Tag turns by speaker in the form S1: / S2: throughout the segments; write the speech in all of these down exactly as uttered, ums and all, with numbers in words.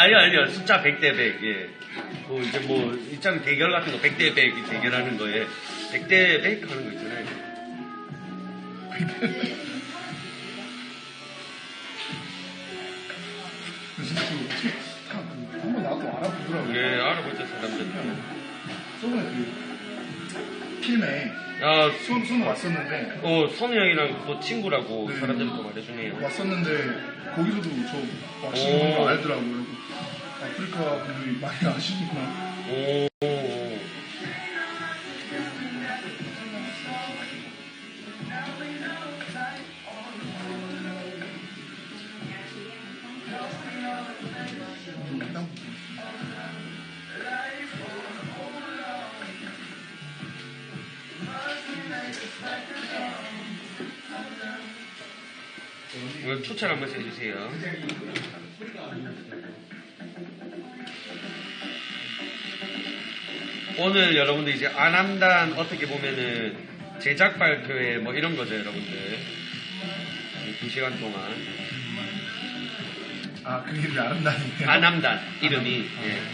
S1: 아니요, 아니요. 숫자 백 대 백, 예. 뭐, 이제 뭐, 있잖아요. 대결 같은 거 백 대 백 대결하는 거에 백 대 백 하는 거 있잖아요.
S2: 진짜 그, 한번 나도 알아보더라고요.
S1: 예, 알아보죠, 사람들.
S2: 저번에 그, 필메.
S1: 아,
S2: 손, 손 왔었는데.
S1: 어, 선우 형이랑 또 친구라고
S2: 네.
S1: 사람들이 또 말해주네요.
S2: 왔었는데, 거기서도 저 왁싱 거 알더라고요. 아프리카 분들이 많이 아시는구나.
S1: 오. 이거 추천 한번 해주세요. 오늘 여러분들 이제 안암단 어떻게 보면은 제작 발표회 뭐 이런 거죠, 여러분들. 두 시간 동안.
S2: 아, 그 이름이 안암단이에요?
S1: 안암단, 이름이. 아, 예.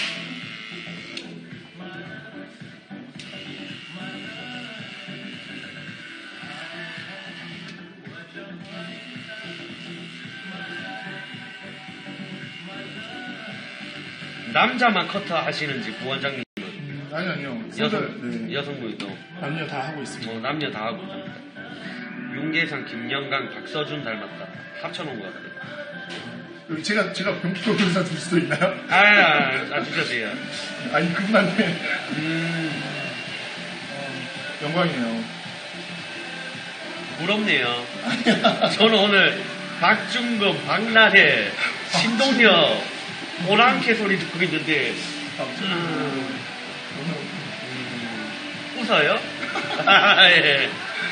S1: 남자만 커터 하시는지 부원장님은?
S2: 음, 아니 아니요.
S1: 여성,
S2: 네.
S1: 여성분도?
S2: 남녀 다 하고 있습니다.
S1: 뭐 남녀 다 하고 있습니다. 윤계상, 김영강, 박서준 닮았다. 합쳐놓은 것 같아요.
S2: 여기 제가 제가 병기표 변호사 줄 수도 있나요?
S1: 아, 아, 아 주셔도 돼요.
S2: 아니 그분한테
S1: 음,
S2: 어, 영광이에요.
S1: 부럽네요. 저는 오늘 박중금, 박나래, 신동엽 오랑캐 소리 듣고 있는데 음, 음, 웃어요? 예.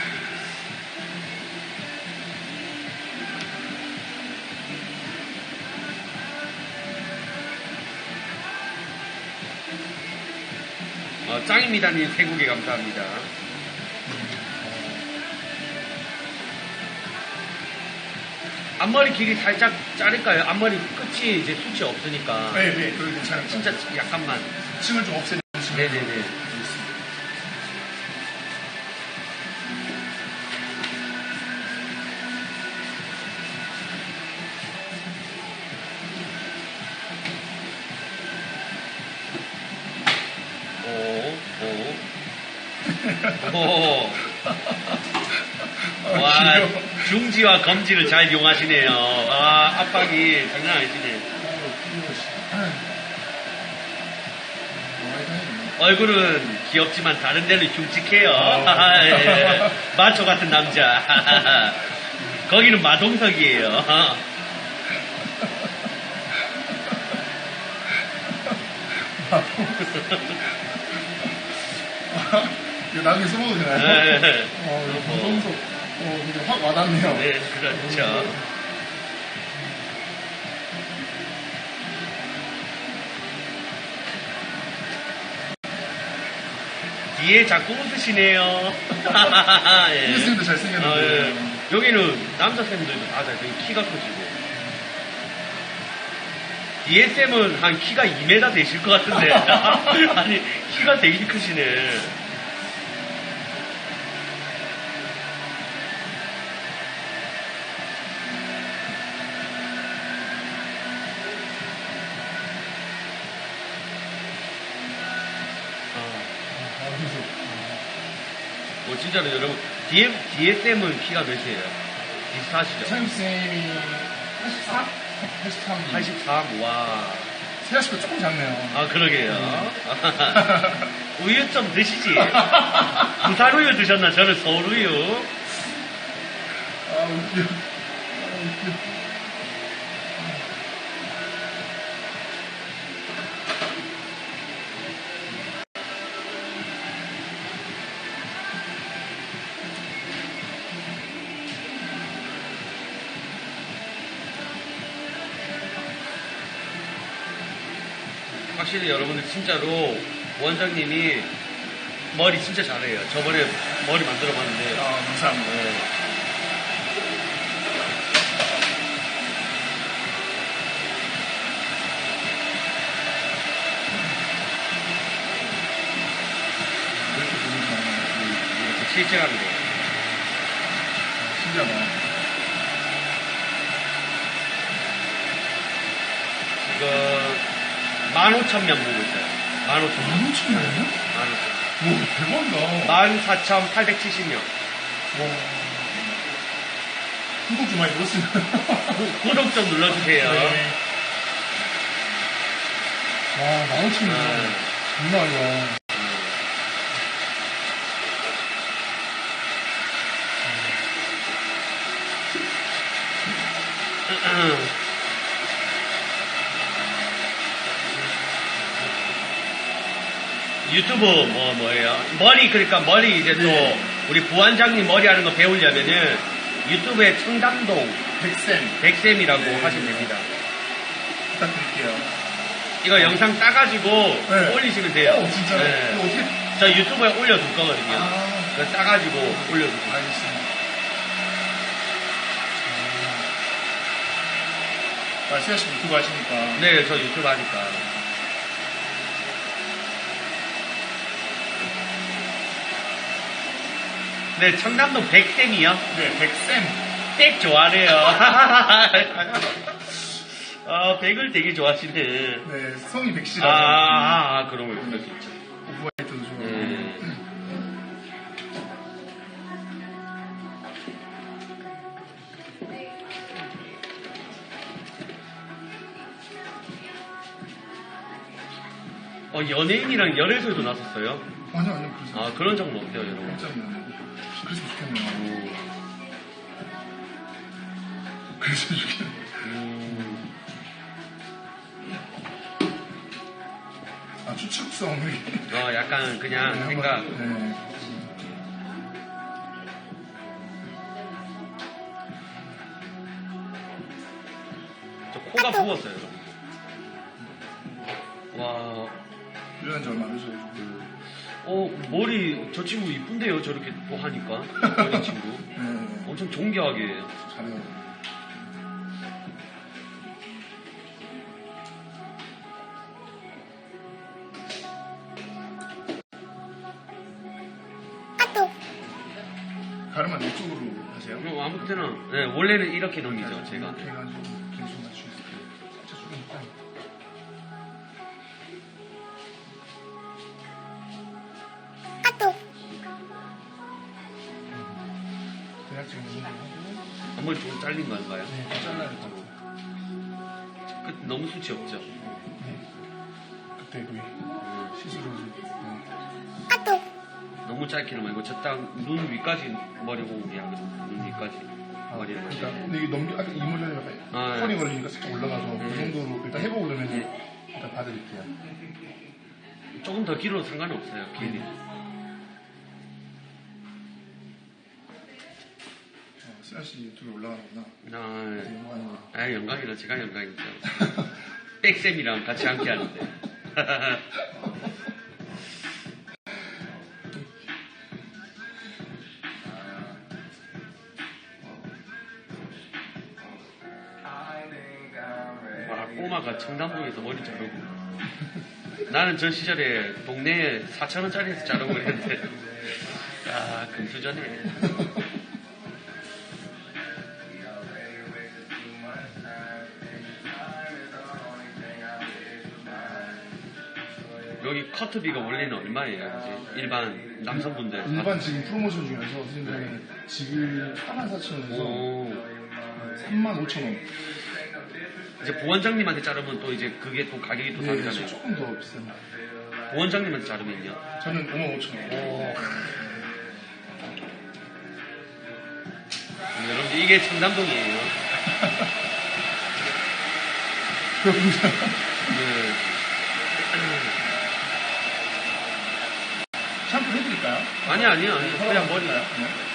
S1: 어, 짱입니다님 세 곡에 감사합니다. 앞머리 길이 살짝 자를까요? 앞머리 끝이 이제 숱이 없으니까.
S2: 네, 네, 그걸 괜찮아요.
S1: 진짜 약간만.
S2: 층을 좀 없애는 식으로.
S1: 네네네. 오, 오. 오. 와, 중지와 검지를 잘 이용하시네요. 아, 압박이 장난 아니시네. 얼굴은 귀엽지만 다른 데는 흉측해요. 아, 예. 마초 같은 남자. 거기는 마동석이에요.
S2: 이거 나중에 써먹어도 되나요?
S1: 네.
S2: 어, 이거 방송석, 어, 근데 확 와닿네요.
S1: 네, 그렇죠. 뒤에 자꾸 웃으시네요. 예.
S2: 쌤도 잘생겼는데.
S1: 아, 예. 여기는 남자 쌤들도 다 잘생겨. 키가 크시고. 뒤에 쌤은 한 키가 이 미터 되실 것 같은데. 아니, 키가 되게 크시네. 뭐 진짜로 여러분 뒤에 뒤에 쌤은 키가 몇이에요? 비슷하시죠?
S2: 차임쌤이 팔십사? 팔십삼.
S1: 팔십삼. 와.
S2: 세아 씨가 조금 작네요.
S1: 아 그러게요. 우유 좀 드시지. 부산 우유 드셨나? 저는 서울 우유.
S2: 아 웃겨. 아 웃겨.
S1: 확실히 여러분들 진짜로 원장님이 머리 진짜 잘해요. 저번에 머리 만들어 봤는데.
S2: 아, 감사합니다.
S1: 네. 실시간으로.
S2: 신기하다.
S1: 지금 만 오천 명 보고 있어요. 만 오천 명.
S2: 만 오천 명이요?
S1: 만 오천
S2: 와, 대박이다.
S1: 만 사천팔백칠십 명.
S2: 와. 구독 좀 많이 눌렀으면.
S1: 구독 좀 눌러주세요.
S2: 네. 와, 만 오천 명.
S1: 네.
S2: 장난 아니다.
S1: 유튜브 뭐 뭐예요? 머리 그러니까 머리 이제 또
S2: 네.
S1: 우리 부원장님 머리 하는 거 배우려면은 유튜브에 청담동
S2: 백쌤.
S1: 백쌤이라고 하시면 됩니다.
S2: 부탁드릴게요.
S1: 이거 영상 따가지고
S2: 네.
S1: 올리시면 돼요.
S2: 어, 진짜요?
S1: 네.
S2: 이거 어떻게.
S1: 저 유튜브에 올려둘 거거든요.
S2: 아,
S1: 그거 따가지고 올려주세요.
S2: 알겠습니다. 아, 수야 씨 유튜브 하시니까.
S1: 네, 저 유튜브 하니까. 네, 청담동 백쌤이요?
S2: 네, 백쌤.
S1: 백 좋아하네요. 아, 백을 되게 좋아하시네.
S2: 네, 성이
S1: 아,
S2: 백씨라고.
S1: 아, 아, 그런 걸 그럴 수 있죠.
S2: 오프화이트도 좋아하고.
S1: 네. 어, 연예인이랑 열애설도 나섰어요?
S2: 아니요, 아니요, 그러세요.
S1: 아, 그런 적은 없대요, 여러분.
S2: 깜짝이야. 그랬으면 좋겠네요. 그랬으면 좋겠네요.
S1: 음,
S2: 아, 추측성이.
S1: 어, 약간 그냥
S2: 네,
S1: 생각.
S2: 한번, 네.
S1: 저 코가 부었어요, 여러분. 와,
S2: 일어난 지 얼마 안 되셔가지고.
S1: 어, 머리, 저 친구 이쁜데요, 저렇게 또 하니까. 어린 친구.
S2: 네,
S1: 엄청 존경하게 해요.
S2: 잘해요. 가르만 이쪽으로 하세요?
S1: 어, 아무 때나, 네, 원래는 이렇게 넘기죠, 제가.
S2: 이렇게 해가지고 계속 맞추겠어요. 살짝 줄이니까. 대략 지금 이 정도 하고.
S1: 앞머리 조금 잘린 건가요?
S2: 네, 좀 잘라야 될 것 같아요.
S1: 끝 너무 수치 없죠?
S2: 네. 그때 거의
S1: 음,
S2: 시술을. 네.
S1: 너무 짧게는 말고 저땅눈 위까지 머리 호흡이 하거든요. 눈 위까지 머리를
S2: 그러니까
S1: 하시고.
S2: 근데 이게 넘기 아까 이 머리가 약간
S1: 아, 네.
S2: 털이 걸리니까 살짝 올라가서 그
S1: 네.
S2: 정도로 일단 해보고 그러면 일단 봐드릴게요.
S1: 조금 더 길어도 상관이 없어요. 길이.
S2: 어, 수야 씨 유튜브에 올라가는구나.
S1: 아,
S2: 되게 영광인 거.
S1: 아 영광이라 제가 영광이죠. 백쌤이랑 같이 함께 하는데. 와, 꼬마가 청담동에서 머리 자르고. 나는 저 시절에 동네에 사천 원짜리에서 자르고 그랬는데. 아, 금수저네. 여기 커트비가 원래는 얼마예요? 이제 일반 남성분들.
S2: 일반 지금 프로모션 중에서 선생님들은 지금 사만 사천 원에서
S1: 오.
S2: 삼만 오천 원.
S1: 이제 부원장님한테 자르면 또 이제 그게 또 가격이 또
S2: 네,
S1: 다르잖아요.
S2: 조금 더 비쌉니다.
S1: 부원장님한테 자르면요.
S2: 저는 오만 오천 원.
S1: 오. 여러분 이게 청담동이에요. 네.
S2: 샴푸 해드릴까요?
S1: 아니 아니요 아니 그냥 머리.
S2: 네.